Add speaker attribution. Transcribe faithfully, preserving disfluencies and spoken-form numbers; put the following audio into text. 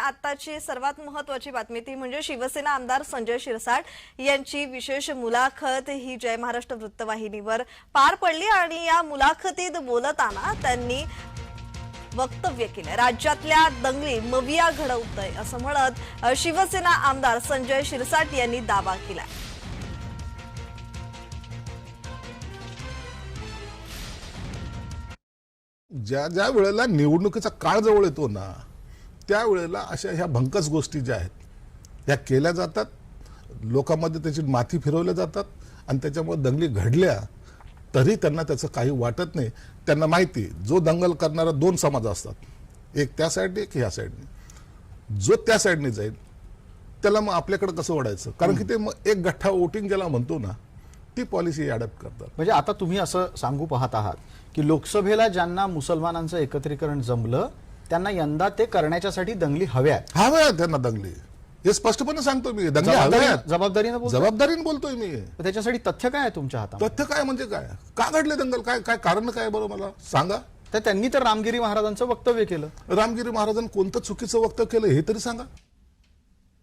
Speaker 1: आताची सर्वात महत्त्वाची बातमी ती म्हणजे शिवसेना आमदार संजय शिरसाट यांची विशेष मुलाखत ही जय महाराष्ट्र वृत्तवाहिनीवर पार पडली आणि या मुलाखतीत बोलताना त्यांनी वक्तव्य केले। राज्यातल्या दंगली मविया घडवतय असं म्हणत शिवसेना आमदार संजय शिरसाट यांनी दावा केला।
Speaker 2: ज्या ज्या वेळेला निवडणुकीचा काळ जवळ येतो ना त्यावेळेला अशा ह्या भंकस गोष्टी ज्या आहेत ह्या केल्या जातात, लोकांमध्ये त्याची माथी फिरवल्या जातात आणि त्याच्यामुळे दंगली घडल्या तरी त्यांना त्याचं काही वाटत नाही। त्यांना माहिती जो दंगल करणारा दोन समाज असतात, एक त्या साईडने एक ह्या साईडने। जो त्या साईडने जाईल त्याला मग आपल्याकडे कसं ओढायचं, कारण की ते मग एक गठ्ठा वोटिंग ज्याला म्हणतो ना ती पॉलिसी अडॅप्ट करतात।
Speaker 3: म्हणजे आता तुम्ही असं सांगू पाहत आहात की लोकसभेला ज्यांना मुसलमानांचं एकत्रीकरण जमलं त्यांना यंदा ते करण्याच्यासाठी दंगली हव्यात
Speaker 2: हव्या त्यांना दंगली, हे स्पष्टपणे सांगतो मी। दंगली हव्यात,
Speaker 3: जबाबदारीने बोलतोय?
Speaker 2: जबाबदारीने बोलतोय मी।
Speaker 3: त्याच्यासाठी तथ्य काय आहे तुमच्या हातात?
Speaker 2: तथ्य काय म्हणजे काय, का घडले दंगल, काय काय कारण काय बरं मला सांगा।
Speaker 3: तर त्यांनी तर रामगिरी महाराजांचं वक्तव्य केलं।
Speaker 2: रामगिरी महाराजांनी कोणतं चुकीचं वक्तव्य केलं हे तरी सांगा।